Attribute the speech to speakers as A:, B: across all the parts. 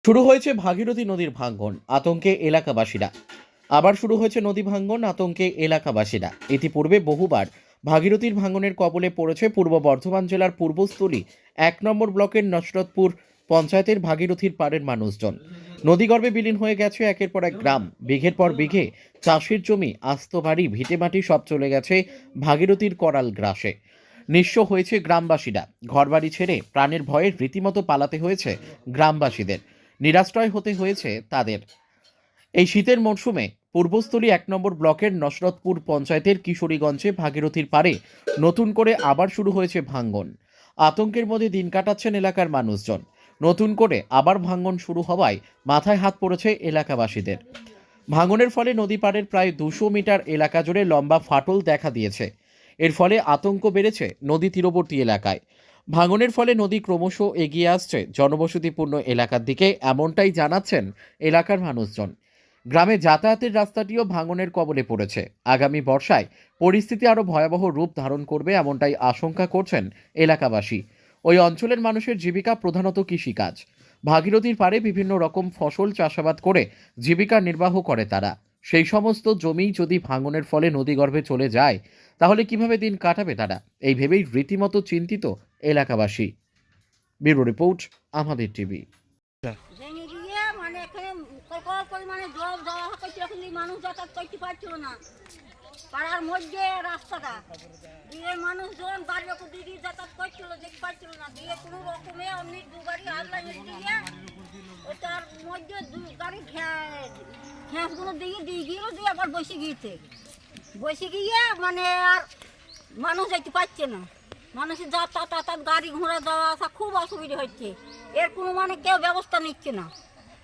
A: শুরু হয়েছে ভাগীরথী নদীর ভাঙ্গন, আতঙ্কে এলাকাবাসীরা। আবার শুরু হয়েছে নদী ভাঙ্গন, আতঙ্কে এলাকাবাসীরা। ইতিপূর্বে বহুবার ভাগীরথীর ভাঙ্গনের কবলে পড়েছে পূর্ব বর্ধমান জেলার পূর্বস্থলী 1 নম্বর ব্লকের নসরতপুর পঞ্চায়েতের ভাগীরথীর পাড়ের মানুষজন। নদীগর্ভে বিলীন হয়ে গেছে একের পর এক গ্রাম, বিঘের পর বিঘে চাষের জমি, আস্ত বাড়ি, ভিটেমাটি সব চলে গেছে ভাগীরথীর করাল গ্রাসে। নিঃস্ব হয়েছে গ্রামবাসীরা। ঘরবাড়ি ছেড়ে প্রাণের ভয়ে রীতিমতো পালাতে হয়েছে গ্রামবাসীদের। নিরাশ্রয় হতে হয়েছে তাদের। এই শীতের মরশুমে পূর্বস্থলী 1 নম্বর ব্লকের নসরতপুর পঞ্চায়েতের কিশোরীগঞ্জে ভাগীরথীর পাড়ে নতুন করে আবার শুরু হয়েছে ভাঙ্গন। আতঙ্কের মধ্যে দিন কাটাচ্ছেন এলাকার মানুষজন। নতুন করে আবার ভাঙ্গন শুরু হওয়ায় মাথায় হাত পড়েছে এলাকাবাসীদের। ভাঙনের ফলে নদী পাড়ের প্রায় 200 মিটার এলাকা জুড়ে লম্বা ফাটল দেখা দিয়েছে। এর ফলে আতঙ্ক বেড়েছে নদী তীরবর্তী এলাকায়। ভাঙনের ফলে নদী ক্রমশ এগিয়ে আসছে জনবসতিপূর্ণ এলাকার দিকে, এমনটাই জানাচ্ছেন এলাকার মানুষজন। গ্রামে যাতায়াতের রাস্তাটিও ভাঙনের কবলে পড়েছে। আগামী বর্ষায় পরিস্থিতি আরও ভয়াবহ রূপ ধারণ করবে, এমনটাই আশঙ্কা করছেন এলাকাবাসী। ওই অঞ্চলের মানুষের জীবিকা প্রধানত কৃষিকাজ। ভাগীরথীর পাড়ে বিভিন্ন রকম ফসল চাষাবাদ করে জীবিকা নির্বাহ করে তারা। সেই সমস্ত জমি যদি ভাঙনের ফলে নদীগর্ভে চলে যায়, তাহলে কিভাবে দিন কাটাবে তারা, এই ভেবেই রীতিমতো চিন্তিত এলাকাবাসী। ব্যুরো রিপোর্ট, আমাদের টিভি।
B: ভেঙে গিয়ে মানে এখানে প্রকল্প পরিমাণে জল দেওয়া হচ্ছে, এখন মানুষ যাতায়াত করতে পারছিল না। পাড়ার মধ্যে রাস্তাটা দিয়ে মানুষজন বাড়ির উপর দিয়ে যাতায়াত করছিল, দেখতে পাচ্ছিল না। দিয়ে কোনো রকমে অমনি 2 গাড়ি আল্লাহ দিয়ে ওটার মধ্যে 2 গাড়ি ঘ্যাঁসগুলো দিয়ে গিয়েও দিয়ে আবার বসে গিয়ে মানে আর মানুষ যেতে পারছে না। মানুষের যাতায়াত গাড়ি ঘোড়া যাওয়া আসা খুব অসুবিধা হচ্ছে। এর কোনো মানে কেউ ব্যবস্থা নিচ্ছে না।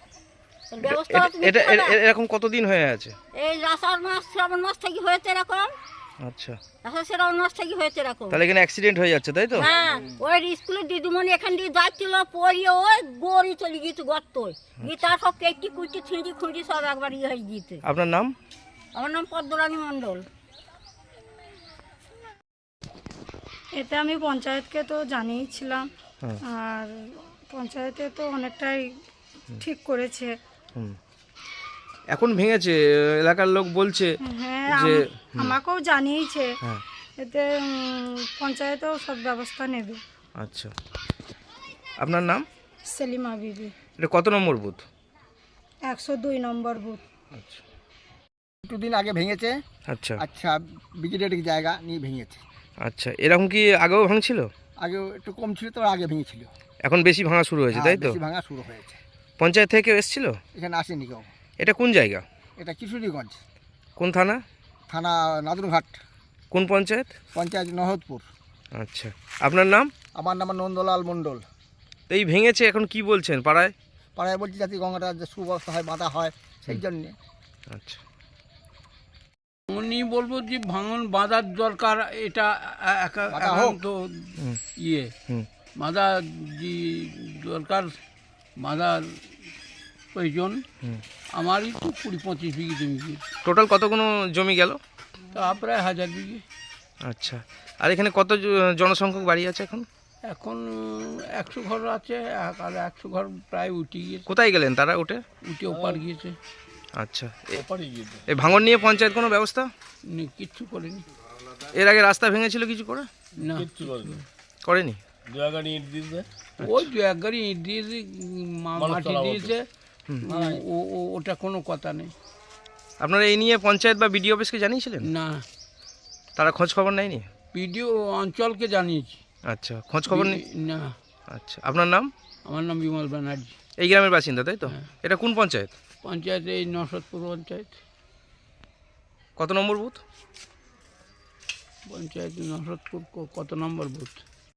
C: এরকম কতদিন হয়ে আছে?
B: এই আষাঢ় মাস শ্রাবণ মাস থেকে হয়েছে এরকম।
C: আচ্ছা,
B: আষাঢ় শ্রাবণ মাস থেকে হয়েছে এরকম।
C: তাহলে এখানে অ্যাক্সিডেন্ট হয়ে যাচ্ছে, তাই তো?
B: হ্যাঁ, ওই স্কুলের দিদিমণি এখান দিয়ে যাচ্ছিল, পড়িয়ে ওই গড়ি চলে গিয়েছে গর্ত। গিয়ে তার সব কেটে কুচি ছিঁড়ি খুঁড়ি সব একবার ইয়ে হয়ে গিয়েছে।
C: আপনার নাম?
B: আমার নাম পদ্মরানী মণ্ডল।
D: এতে আমি পঞ্চায়েতকে তো জানিয়েছিলাম, আর পঞ্চায়েতে তো অনেকটাই ঠিক করেছে।
C: এখন ভেঙেছে, এলাকার লোক বলছে।
D: হ্যাঁ,
C: যে
D: আমাকেও জানিয়েছে।
C: হ্যাঁ,
D: এতে পঞ্চায়েতেও সব ব্যবস্থা নেবে।
C: আচ্ছা, আপনার নাম?
D: সেলিমা বিবি।
C: এটা কত নম্বর বুথ?
D: 102 নম্বর বুথ।
C: আচ্ছা
E: দুদিন আগে ভেঙেছে।
C: আচ্ছা
E: আচ্ছা, ব্রিগেডের জায়গা নিয়ে ভেঙেছে।
C: আচ্ছা, এরকম কি আগেও ভাঙছিল?
E: আগে একটু কম ছিল, তো আগে ভেঙেছিল।
C: এখন বেশি ভাঙা শুরু হয়েছে, তাই তো?
E: বেশি ভাঙা শুরু হয়েছে।
C: পঞ্চায়েত থেকে এসেছিল?
E: এখানে আসেনি কেউ।
C: এটা কোন জায়গা?
E: এটা কিশোরীগঞ্জ
C: কোন থানা?
E: থানা নাদুরঘাট,
C: কোন পঞ্চায়েত?
E: পঞ্চায়েত নহদপুর।
C: আচ্ছা, আপনার নাম?
E: আমার নাম নন্দলাল মণ্ডল।
C: তো এই ভেঙেছে, এখন কি বলছেন পাড়ায়?
E: পাড়ায় বলছি যাতে গঙ্গাটা যে সুব্যবস্থা হয়, বাঁধা হয়, সেই জন্যে।
C: আচ্ছা,
F: উনি বলবো যে ভাঙন বাঁধার দরকার, এটা একান্ত ইয়ে বাঁধা দরকার, বাঁধার প্রয়োজন। আমারই তো 20-25 বিঘে জমি।
C: টোটাল কতগুলো জমি গেল?
F: তা প্রায় 1000 বিঘে।
C: আচ্ছা, আর এখানে কত জনসংখ্যক বাড়ি আছে এখন?
F: এখন 100 ঘর আছে, আর 100 ঘর প্রায় উঠে গিয়েছে।
C: কোথায় গেলেন তারা? উঠে
F: ওপার গিয়েছে।
C: আচ্ছা, এই ভাঙন নিয়ে পঞ্চায়েত কোনো ব্যবস্থা
F: কিচ্ছু করেনি।
C: এর আগে রাস্তা ভেঙেছিল, কিছু করে
F: না,
C: করেনি।
F: ওই 2-1 গাড়ি ইট দিয়েছে, মাটি দিয়েছে, ওটা কোনো কথা নেই।
C: আপনারা এই নিয়ে পঞ্চায়েত বা বিডিও অফিসকে জানিয়েছিলেন?
F: না,
C: তারা খোঁজ খবর নেয়নি?
F: পিডিও অঞ্চলকে জানিয়েছি।
C: আচ্ছা, খোঁজ খবর নেই?
F: না।
C: আচ্ছা, আপনার নাম?
F: আমার নাম বিমল ব্যানার্জি।
C: এই গ্রামের বাসিন্দা, তাই তো? এটা কোন পঞ্চায়েত?
F: পঞ্চায়েত এই নসরতপুর পঞ্চায়েত।
C: কত নম্বর বুথ?
F: পঞ্চায়েত নসরতপুর কত নম্বর বুথ?